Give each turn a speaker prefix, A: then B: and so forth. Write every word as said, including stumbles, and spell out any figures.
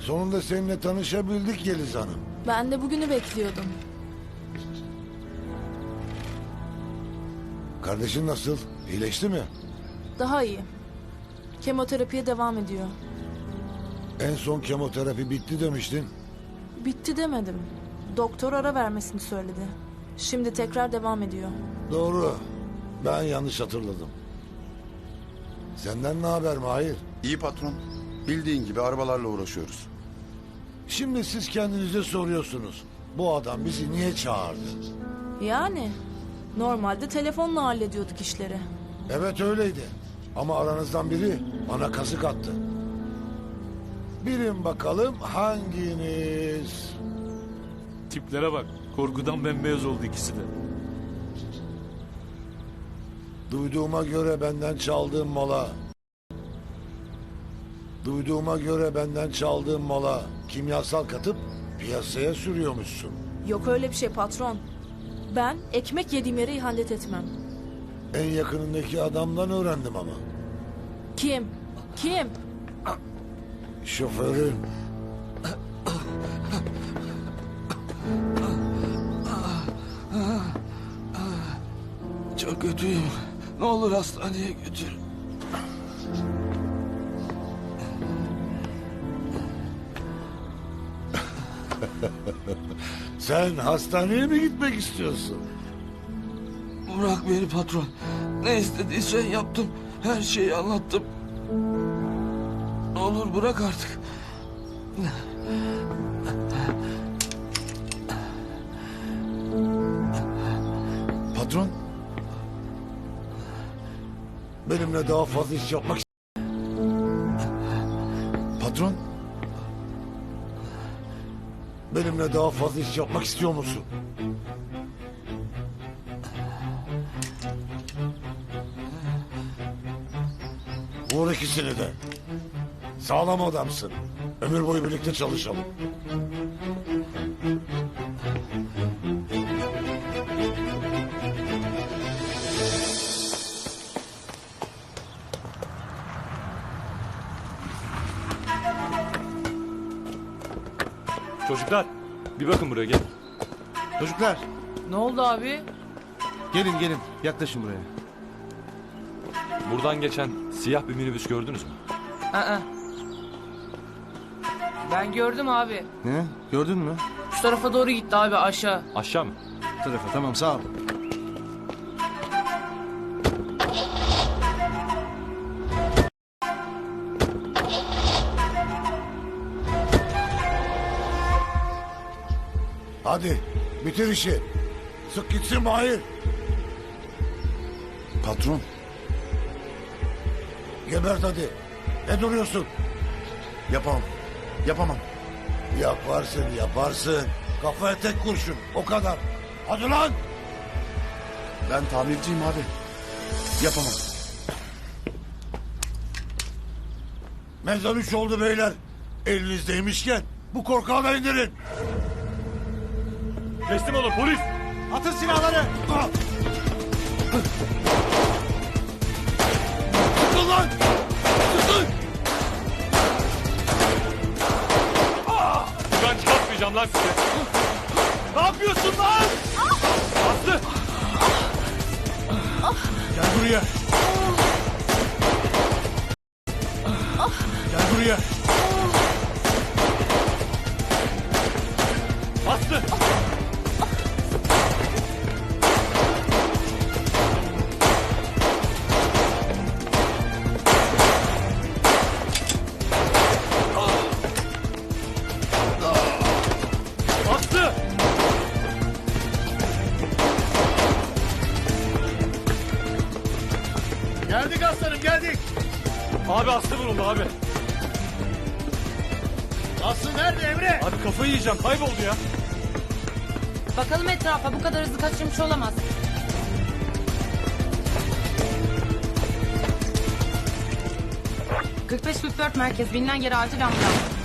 A: Sonunda seninle tanışabildik Yeliz Hanım.
B: Ben de bugünü bekliyordum.
A: Kardeşin nasıl? İyileşti mi?
B: Daha iyi. Kemoterapiye devam ediyor.
A: En son kemoterapi bitti demiştin.
B: Bitti demedim. Doktor ara vermesini söyledi. Şimdi tekrar devam ediyor.
A: Doğru. Ben yanlış hatırladım. Senden ne haber Mahir?
C: İyi patron. Bildiğin gibi arabalarla uğraşıyoruz.
A: Şimdi siz kendinize soruyorsunuz. Bu adam bizi niye çağırdı?
B: Yani normalde telefonla hallediyorduk işleri.
A: Evet öyleydi. Ama aranızdan biri bana kazık attı. Bilin bakalım hanginiz?
D: Tiplere bak. Korkudan bembeyaz oldu ikisi de.
A: Duyduğuma göre benden çaldığın mala... Duyduğuma göre benden çaldığın mala kimyasal katıp piyasaya sürüyormuşsun.
B: Yok öyle bir şey patron. Ben ekmek yediğim yere ihanet etmem.
A: En yakınındaki adamdan öğrendim ama.
B: Kim? Kim?
A: Şoförün.
E: Çok kötüyüm. Ne olur hastaneye götür.
A: Sen hastaneye mi gitmek istiyorsun?
E: Bırak beni patron. Ne istediysen yaptım. Her şeyi anlattım. Ne olur bırak artık.
A: Patron. Benimle daha fazla iş yapmak... Patron. Benimle daha fazla iş yapmak istiyor musun? Vur ikisini de. Sağlam adamsın. Ömür boyu birlikte çalışalım.
D: Çocuklar bir bakın buraya gel.
F: Çocuklar
G: Ne oldu abi?
F: gelin gelin yaklaşın buraya.
D: Buradan geçen siyah bir minibüs gördünüz mü?
G: Aa. Ben gördüm abi.
F: Ne? Gördün mü?
G: Şu tarafa doğru gitti abi aşağı.
D: Aşağı mı?
F: Bu tarafa tamam sağ ol.
A: Hadi bitir işi. Sık gitsin Mahir.
C: Patron.
A: Gebert hadi. Ne duruyorsun?
C: Yapamam. Yapamam.
A: Yaparsın yaparsın. Kafaya tek kurşun o kadar. Hadi lan.
C: Ben tamirciyim abi. Yapamam.
A: Mezar üç oldu beyler. Elinizdeymişken bu korkağı da indirin.
D: Teslim olun polis.
F: Atın silahları.
A: Ah! Sıkın lan. Sıkın.
D: Ben çıkartmayacağım lan sizi.
F: Ne yapıyorsun lan?
D: Aslı.
A: Gel buraya. Gel buraya.
D: Aslı. Aslı.
F: Geldik aslanım geldik.
D: Abi Aslı vuruldu abi.
F: Aslı nerede Emre?
D: Abi kafayı yiyeceğim kayboldu ya.
H: Bakalım etrafa, bu kadar hızlı kaçırmış olamaz. kırk beş kırk dört merkez, bilinen yere acil ambulans.